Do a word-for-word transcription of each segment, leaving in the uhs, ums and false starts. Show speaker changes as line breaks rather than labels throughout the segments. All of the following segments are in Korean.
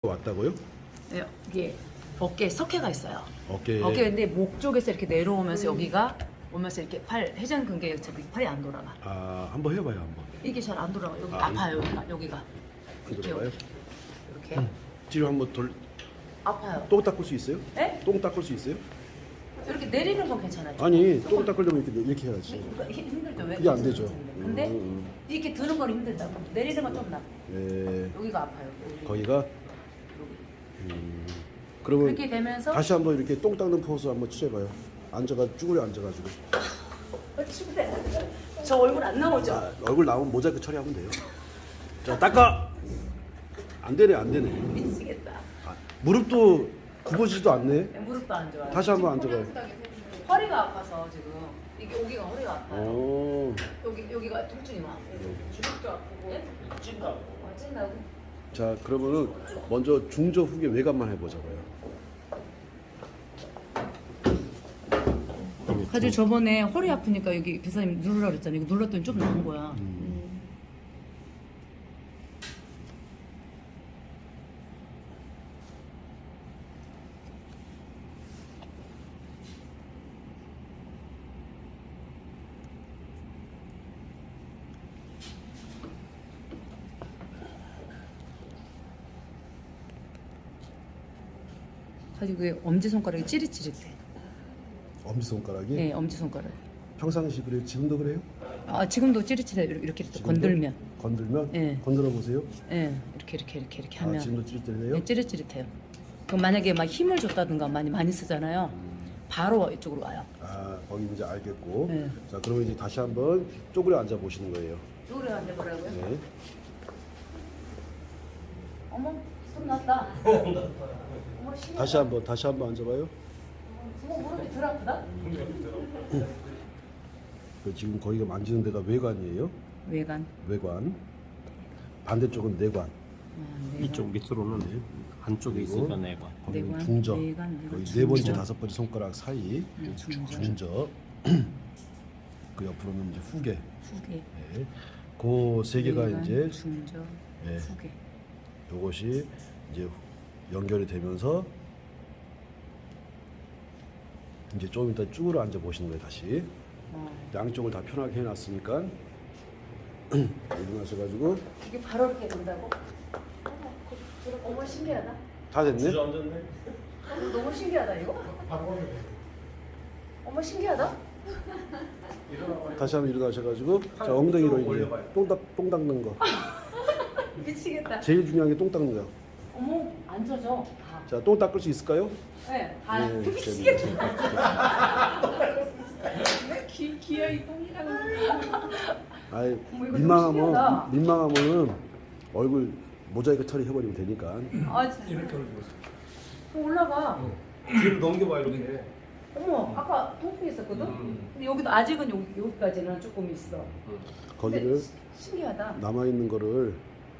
왔다고요?
네, 이게 어깨에 석회가 있어요.
어깨에
어깨인데 목 쪽에서 이렇게 내려오면서 여기가 오면서 이렇게 팔 회전근개 저기 팔이 안 돌아가.
아 한번 해봐요 한번.
이게 잘 안 돌아가. 여기
아,
아, 파요 여기가 여기가.
안
이렇게
들어가요?
이렇게
음. 뒤로 한번 돌.
아파요.
똥 닦을 수 있어요?
네?
똥 닦을 수 있어요?
이렇게 내리는 건 괜찮아요.
아니 똥 닦으려면 이렇게 이렇게 해야지.
이거 힘- 힘들죠. 왜?
그게 안 되죠.
근데
음, 음.
이렇게 드는 건 힘들다고. 내리는 건 좀 나.
네.
여기가 아파요. 여기.
거기가.
여기.
음. 그러면
그렇게 되면서
다시 한번 이렇게 똥 닦는 포즈 한번 취해봐요. 앉아가 쭈그려 앉아가지고.
어, 친구들, 저 얼굴 안 나오죠?
자, 얼굴 나오면 모자이크 처리하면 돼요. 자 닦아. 안 되네 안 되네.
미치겠다.
아, 무릎도 굽어지지도 않네.
무릎도 안 좋아요.
다시 한번 앉아봐요.
허리가 아파서 지금 이게 여기가 허리가 아파요.
어.
여기 여기가 통증이 막. 주먹도 아프고. 예? 찐다고. 아, 찐다고?
자 그러면은 먼저 중저 후계 외관만 해보자고요.
가지고 저번에 허리 아프니까 여기 기사님 누르라 그랬잖아요. 이거 눌렀더니 좀 나은 거야.
음.
가지고 그 엄지 손가락이 찌릿찌릿해.
엄지 손가락이
네, 엄지 손가락.
평상시 그래요? 지금도 그래요?
아 지금도 찌릿찌릿해. 이렇게 이렇게
지금도?
건들면.
건들면?
네.
건드려 보세요.
예, 이렇게 이렇게 이렇게 이렇게
아
하면.
지금도 찌릿찌릿해요?
네, 찌릿찌릿해요. 그럼 만약에 막 힘을 줬다든가 많이 많이 쓰잖아요. 바로 이쪽으로 와요.
아 거기 이제 알겠고.
네.
자 그러면 이제 다시 한번 쪼그려 앉아 보시는 거예요.
쪼그려 앉아보라고요?
네.
어머, 손 났다. 어머, 신기하다.
다시 한번 다시 한번 앉아봐요.
어머, 무릎이 덜 아프다?
그 지금 거기가 만지는 데가 외관이에요.
외관.
외관. 반대쪽은 내관.
아, 내관.
이쪽 밑으로는 안쪽에
그리고
있으니까 내관.
거기는
내관,
중저.
내관, 내관,
거기
중저.
네 번째 다섯 번째 손가락 사이
네, 중저.
중저. 그 옆으로는 이제 후계.
후계.
네. 그 세 개가
외관,
이제
중저,
네.
후계.
요것이 이제 연결이 되면서 이제 좀 이따 쭈그려 앉아 보시는 거예요 다시.
어.
양쪽을 다 편하게 해놨으니까 일어나셔가지고
이게 바로 이렇게 된다고? 어머, 그- 어머 신기하다.
다 됐네.
앉았네.
어머, 너무 신기하다 이거. 어머 신기하다.
다시 한번 일어나셔가지고 자 엉덩이로 이제 똥, 닦, 똥 닦는 거.
미치겠다.
제일 중요한 게 똥 닦는 거.
어머 안 젖어. 다.
자 똥 닦을 수 있을까요?
네, 다.
네,
미치겠다. 기 기어이 똥이라고.
아이
어머, 이거 좀
민망하면
신기하다.
민망하면은 얼굴 모자이크 처리 해버리면 되니까.
아 진짜.
이렇게 올리고
좀 올라가.
뒤로 넘겨봐 이렇게.
어머 아까 통풍 있었거든. 근데 여기도 아직은 여기 여기까지는 조금 있어.
거기를
근데 시- 신기하다.
남아 있는 거를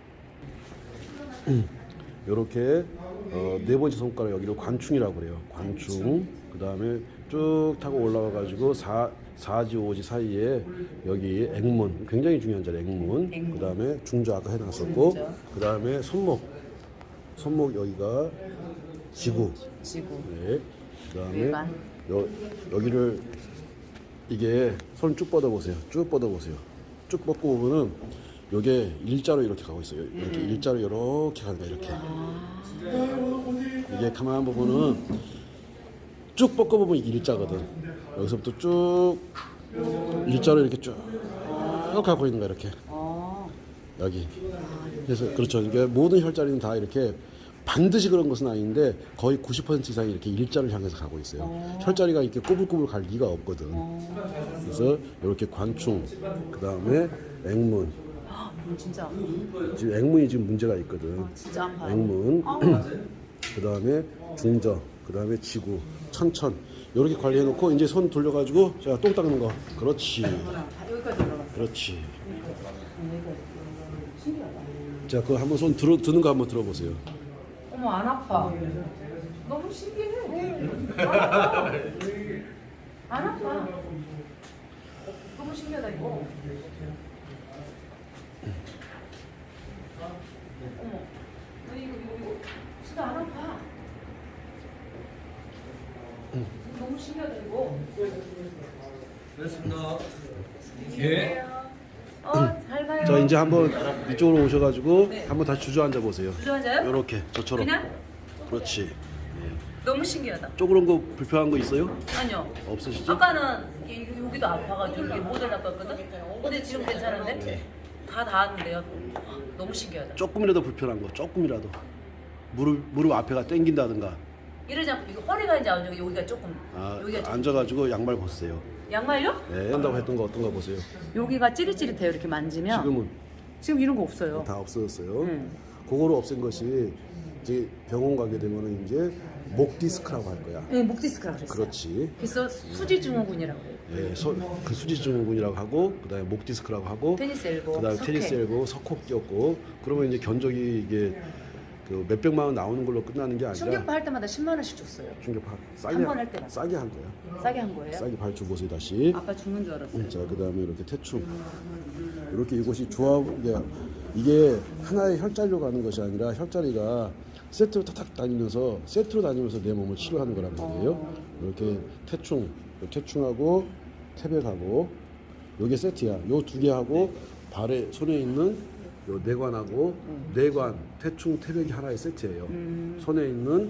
이렇게 어, 네 번째 손가락 여기를 관충이라고 그래요. 관충. 그 다음에 쭉 타고 올라와 가지고 사 사지 오지 사이에 여기 액문 굉장히 중요한 자리 액문.
액문.
그 다음에 중저 아까 해놨었고.
중저.
그 다음에 손목 손목 여기가 지구.
지구.
네. 그 다음에
외관.
여, 여기를 이게 손 쭉 뻗어 보세요. 쭉 뻗어 보세요. 쭉 뻗고 보면은 요게 일자로 이렇게 가고 있어요. 이렇게
음.
일자로 이렇게 가는 거야 이렇게.
아.
이게 가만 보면은 쭉 뻗고 보면 이게 일자거든. 여기서부터 쭉 일자로 이렇게 쭉 가고 있는 거야 이렇게.
어.
여기. 그래서 그렇죠. 이게 모든 혈자리는 다 이렇게 반드시 그런 것은 아닌데 거의 구십 퍼센트 이상이 이렇게 일자를 향해서 가고 있어요.
어.
혈자리가 이렇게 꼬불꼬불 갈 리가 없거든.
어.
그래서 이렇게 관충, 그 다음에 액문.
음, 진짜.
지금 액문이 지금 문제가 있거든.
진짜 아파요.
액문,
아.
그 다음에 중저, 그 다음에 지구, 천천. 이렇게 관리해놓고 이제 손 돌려가지고 자 똥 닦는 거. 그렇지,
다 여기까지 올라갔어.
그렇지.
여기까지. 신기하다.
자, 그거 한번 손 들어 드는 거 한번 들어보세요.
어머 안 아파. 너무 신기해. 안 아파. 안 아파. 너무 신기하다 이거. 어머. 아니 이거 이거 이거. 너무 신기하다 이거.
그렇습니다. 예.
어, 잘 가요.
자 이제 한번 이쪽으로 오셔가지고
네.
한번 다시 주저앉아 보세요.
주저앉아요?
이렇게 저처럼.
그냥?
그렇지.
너무 신기하다.
쪼그런 거 불편한 거 있어요?
아니요.
없으시죠?
아까는 이- 여기도 아파가지고 이게 못 올라갔거든. 근데 지금 괜찮은데? 다 닿았는데요. 너무 신기하다.
조금이라도 불편한 거, 조금이라도 무릎 무릎 앞에가 당긴다든가.
이러지 않고 이거 허리가 이제 안 좋고 여기가 조금
아,
여기가 좀
앉아가지고 양말 벗으세요.
양말요?
네, 한다고 했던 거 어떤 거 보세요.
여기가 찌릿찌릿해요. 이렇게 만지면.
지금은
지금 이런 거 없어요.
다 없어졌어요.
음.
그거를 없앤 것이 이제 병원 가게 되면은 이제 목 디스크라고 할 거야.
네, 목 디스크라고 그랬어요.
그렇지.
그래서 수지 증후군이라고 해요.
예, 소, 그 수지증후군이라고 하고 그다음에 목 디스크라고 하고
테니스 엘보,
그다음에
석회.
테니스 엘보, 석호 끼었고 그러면 이제 견적이 이게 그 몇백만 원 나오는 걸로 끝나는 게 아니라
충격파 할 때마다 십만 원씩 줬어요.
충격파 싸게
한번할 때만.
싸게 한 거야.
싸게 한 거예요?
싸게 발주 보세요 다시.
아빠 죽는 줄 알았어요.
자 그다음에 이렇게 태충 이렇게 이곳이 조합 이게, 이게 하나의 혈자리로 가는 것이 아니라 혈자리가 세트로 탁탁 다니면서 세트로 다니면서 내 몸을 치료하는 거란 말이에요. 이렇게 태충, 태충하고 태백하고 요게 세트야. 요 두 개 하고 발에 손에 있는 요 내관하고 내관, 태충, 태백이 하나의 세트예요. 손에 있는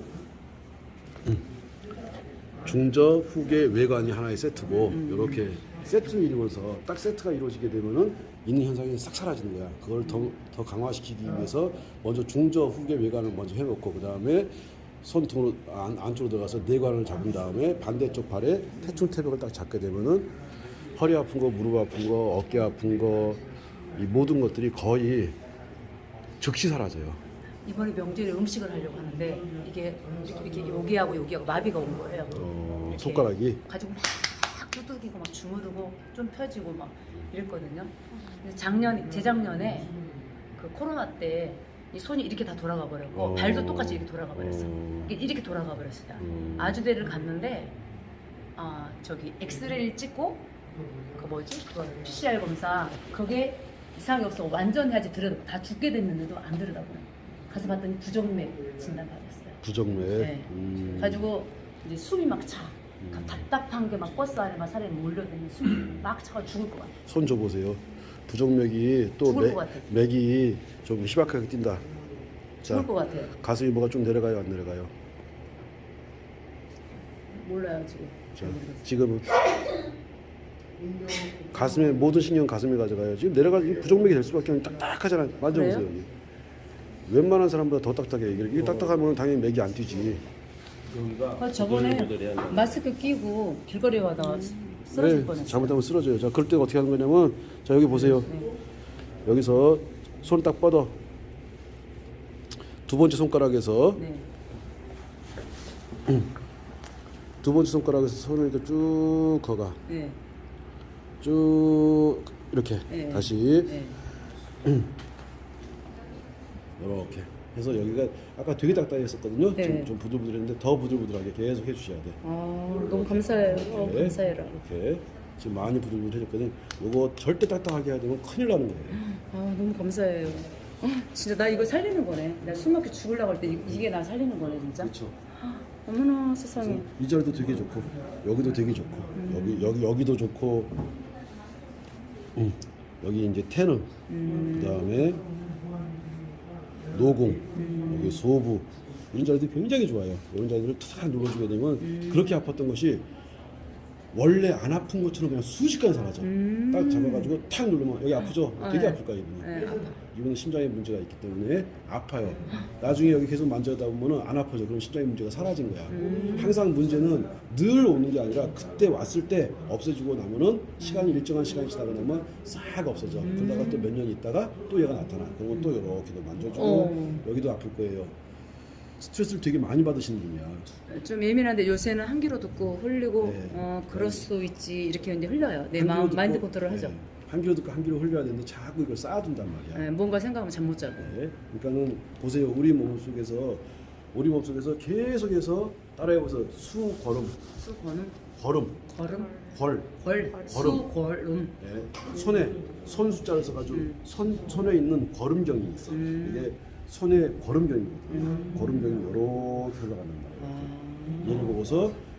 중저, 후계, 외관이 하나의 세트고 이렇게 세트를 이루면서 딱 세트가 이루어지게 되면은 있는 현상이 싹 사라지는 거야. 그걸 더, 더 강화시키기 위해서 먼저 중저, 후계, 외관을 먼저 해놓고 그 다음에 손등으로 안, 안쪽으로 들어가서 내관을 잡은 다음에 반대쪽 발에 태충, 태백을 딱 잡게 되면은 허리 아픈 거, 무릎 아픈 거, 어깨 아픈 거 이 모든 것들이 거의 즉시 사라져요.
이번에 명절에 음식을 하려고 하는데 이게 이렇게, 이렇게 여기하고 여기하고 마비가 온 거예요.
어,
이렇게
손가락이
가지고 막 두들기고 막 주무르고 좀 펴지고 막 이랬거든요. 근데 작년 재작년에 그 코로나 때 이 손이 이렇게 다 돌아가 버렸고
어.
발도 똑같이 이렇게 돌아가 버렸어.
어.
이게 이렇게 돌아가 버렸어요.
음.
아주대를 갔는데 아 저기 엑스레이를 찍고 그 뭐지 그거 피씨알 검사 그게 이상이 없어 완전 해야지 들여다 다 죽게 됐는데도 안 들여다보네. 가서 봤더니 부정맥 진단 받았어요.
부정맥.
네.
음.
가지고 이제 숨이 막 차. 답답한 게 막 버스 안에 막 사람이 몰려드는 숨이 막 차가 죽을 것 같아.
손 줘보세요. 부정맥이 또
죽을
맥,
것 같아.
맥이 좀 희박하게 뛴다.
죽을 것 같아요.
가슴이 뭐가 좀 내려가요, 안 내려가요?
몰라요 지금.
자, 지금은 가슴에 모든 신경 가슴에 가져가요. 지금 내려가 이 부정맥이 될 수밖에 없는 딱딱하잖아. 만져보세요.
그래요?
여기. 웬만한 사람보다 더 딱딱해. 이게 이게 딱딱하면 당연히 맥이 안 뛰지.
여기가
아, 저번에
조절해야 한다.
마스크 끼고 길거리에 가다가 쓰러질
네,
뻔했어요.
잘못하면 쓰러져요. 자, 그럴 때 어떻게 하는 거냐면, 자 여기 보세요.
네.
여기서 손 딱 뻗어. 두 번째 손가락에서
네.
두 번째 손가락에서 손을 이렇게 쭉 거가.
네.
쭉 이렇게
네.
다시
네.
이렇게 해서 여기가 아까 되게 딱딱했었거든요.
네.
좀, 좀 부들부들했는데 더 부들부들하게 계속 해주셔야 돼.
아, 너무 감사해요. 어,
이렇게,
감사해라.
이렇게 지금 많이 부들부들해졌거든. 요거 절대 딱딱하게 해야 되면 큰일 나는 거예요.
아, 너무 감사해요. 어, 진짜 나 이거 살리는 거네. 나 숨 막혀 죽으려고 할 때 이게 나 살리는 거네 진짜.
그렇죠.
어머나 세상에.
이 자리도 되게 좋고 여기도 되게 좋고 여기 여기 여기도 좋고 음, 여기 이제 태능 그다음에 노공 여기 소부 이런 자리들이 굉장히 좋아요. 이런 자리들을 탁 눌러주게 되면 그렇게 아팠던 것이 원래 안 아픈 것처럼 그냥 순식간에 사라져. 딱 잡아가지고 탁 누르면 여기 아프죠? 되게
네.
아플 거야 이분은.
네, 아파.
이분은 심장에 문제가 있기 때문에 아파요. 나중에 여기 계속 만져다 보면은 안 아파져. 그럼 심장의 문제가 사라진 거야. 항상 문제는 늘 오는 게 아니라 그때 왔을 때 없어지고 나면은 시간이 일정한 시간이 지나고 나면 싹 없어져. 그러다가 또 몇 년 있다가 또 얘가 나타나. 그러면 또 이렇게도 만져주고
어.
여기도 아플 거예요. 스트레스를 되게 많이 받으시는 분이야.
좀 예민한데 요새는 한 귀로 듣고 흘리고
네.
어 그럴 수 있지 이렇게 이제 흘려요. 내
한
마음
귀로
마인드
듣고,
컨트롤 하죠.
네. 한 귀로 듣고 한 귀로 흘려야 되는데 자꾸 이걸 쌓아둔단 말이야.
네, 뭔가 생각하면 잠 못 자고.
네. 그러니까는 보세요. 우리 몸 속에서 우리 몸 속에서 계속해서 따라해보세요. 수걸음,
수거는
걸음,
걸음,
걸.
걸, 수걸음.
네. 손에 손 숫자를 써가지고 손 손에 있는 걸음경이 있어. 이게 손에 걸음경이거든요. 걸음경이 이렇게 흘러가는 말이에요.
아,
얘를 보고서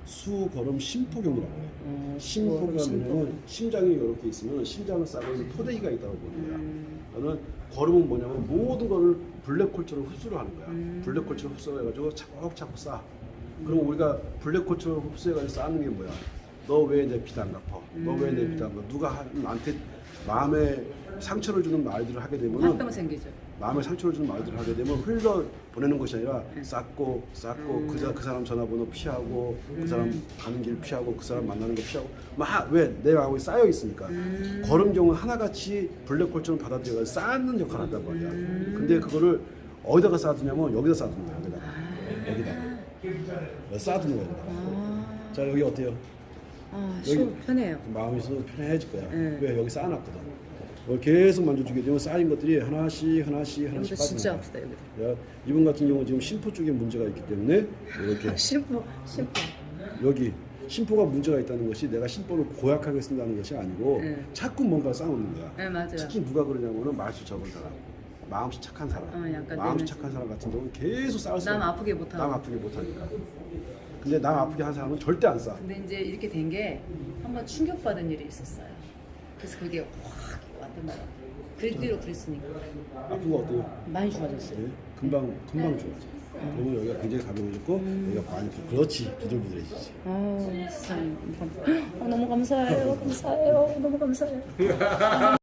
수거름 심포경이라고 해요.
어,
심포경이면
심포경.
심장이 이렇게 있으면 심장을 싸고 있는 포대기가 있다고 보는 거야.
음.
저는 걸음은 뭐냐면 모든 거를 블랙홀처럼 흡수를 하는 거야.
음.
블랙홀처럼 흡수해가지고 차곡차곡 쌓아. 그럼 우리가 블랙홀처럼 흡수해가지고 쌓는 게 뭐야? 너 왜 내 피도 안 갚아? 너 왜 내 피도 안 갚아? 누가 하- 나한테 마음에 상처를 주는 말들을 하게 되면은
화병 생기죠.
마음에 상처를 주는 말들을 하게 되면 흘러 보내는 것이 아니라 쌓고 쌓고
음.
그, 사- 그 사람 전화번호 피하고 그 사람
음.
가는 길 피하고 그 사람 만나는 거 피하고 막 왜 내 마음에 쌓여 있으니까
음.
걸음경은 하나같이 블랙홀처럼 받아들여서 쌓는 역할을 한단 말이야.
음.
근데 그거를 어디다가 쌓아두냐면 여기다 쌓아두는 거야. 여기다가
아.
여기다가 쌓아두는 거야. 여기다가.
아,
자 여기 어때요?
아
여기-
쉬워 편해요.
마음이 있어도 편해질 거야.
네.
왜 여기 쌓아놨거든. 이걸 계속 만져주게 되면 쌓인 것들이 하나씩 하나씩 하나씩
여기도 진짜
빠지는
아프다 여기도.
거야. 야, 이분 같은 경우 지금 심포 쪽에 문제가 있기 때문에 이렇게
심포 심포.
여기 심포가 문제가 있다는 것이 내가 심포를 고약하게 쓴다는 것이 아니고
네.
자꾸 뭔가 쌓아놓는 거야.
네 맞아요.
특히 누가 그러냐면은 말수 적은 사람, 마음씨 착한 사람,
어, 약간
마음씨
내면서.
착한 사람 같은 경우는 계속 쌓을 수
남
있어.
아프게 못하고.
남 아프게 못하니까. 근데 남 아프게 한 사람은 절대 안 쌓아.
근데 이제 이렇게 된 게 한번 충격받은 일이 있었어요. 그래서 그게 확 왔단 말이야. 그 뒤로 그랬으니까
아픈 거 어때요?
많이 좋아졌어요.
네, 금방 금방 좋아져. 그러면 여기가 굉장히 가벼워졌고 여기가 많이 부- 그렇지 부들부들해지지.
아 세상에. 어, 너무 감사해요. 감사해요. 너무 감사해요.